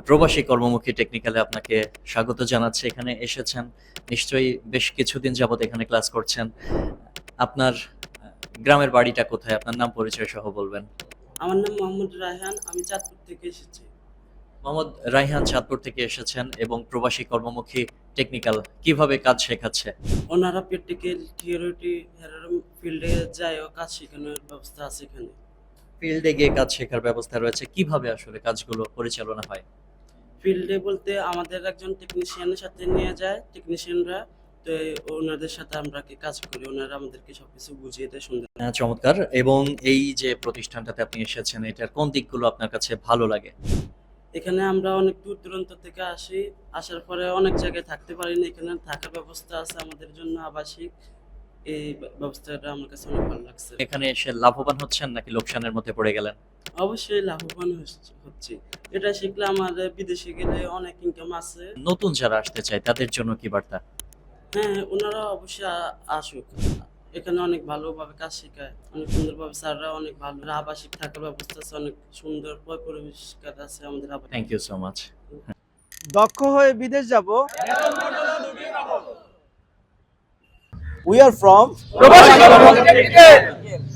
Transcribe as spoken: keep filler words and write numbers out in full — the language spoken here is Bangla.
প্রবাসী কর্মমুখী টেকনিক্যালে আপনাকে স্বাগত জানাচ্ছি। এখানে এসেছেন, নিশ্চয়ই বেশ কিছুদিন যাবত এখানে ক্লাস করছেন। আপনার আহ, গ্রামের বাড়িটা কোথায়? আপনার নাম পরিচয় সহ বলবেন। আমার নাম মোহাম্মদ রায়হান, আমি চাঁদপুর থেকে এসেছি। মোহাম্মদ রায়হান চাঁদপুর থেকে এসেছেন এবং প্রবাসী কর্মমুখী টেকনিক্যাল কিভাবে কাজ শেখাচ্ছে? ওনারা প্র্যাকটিক্যাল থিওরিটি ফিল্ডে যায় ও কাজ শেখানোর ব্যবস্থা আছে এখানে। ফিল্ডে গিয়ে কাজ শেখার ব্যবস্থা রয়েছে, কিভাবে আসলে কাজগুলো পরিচালনা হয়? ফিল্ডে বলতে আমাদের একজন টেকনিশিয়ানের সাথে নিয়ে যায় টেকনিশিয়ানরা, তো এই ওনাদের সাথে আমরা কি কাজ করি, ওনারা আমাদেরকে সবকিছু বুঝিয়ে দেয় সুন্দর। হ্যাঁ, চমৎকার। এবং এই যে প্রতিষ্ঠানটাতে আপনি এসেছেন, এটার কোন দিকগুলো আপনার কাছে ভালো লাগে? এখানে আমরা অনেক দূর দূরান্ত থেকে আসি, আসার পরে অনেক জায়গায় থাকতে পারি না, এখানে থাকার ব্যবস্থা আছে আমাদের জন্য আবাসিক। এই ব্যবস্থাটা আমার কাছে অনেক ভালো লাগছে। এখানে এসে লাভবান হচ্ছেন নাকি লোকসানের মধ্যে পড়ে গেলেন? অবশ্যই লাভবান হচ্ছি- হচ্ছি। এটা শিখলে আমাদের বিদেশে গেলে অনেক ইনকাম আছে। নতুন যারা আসতে চায় তাদের জন্য কি বার্তা? হ্যাঁ, ওনারা অবশ্যই আ- আসুক। এখানে অনেক ভালোভাবে কাজ শেখায়, অনেক সুন্দরভাবে স্যাররা অনেক ভালো, আবাসিক থাকার ব্যবস্থা আছে, অনেক সুন্দর পয় পরিষ্কার আছে আমাদের আবাসিক। Thank you so much. দক্ষ হয়ে বিদেশ যাব। উই আর ফ্রম প্রবাসী কর্মমুখী টেকনিক্যাল।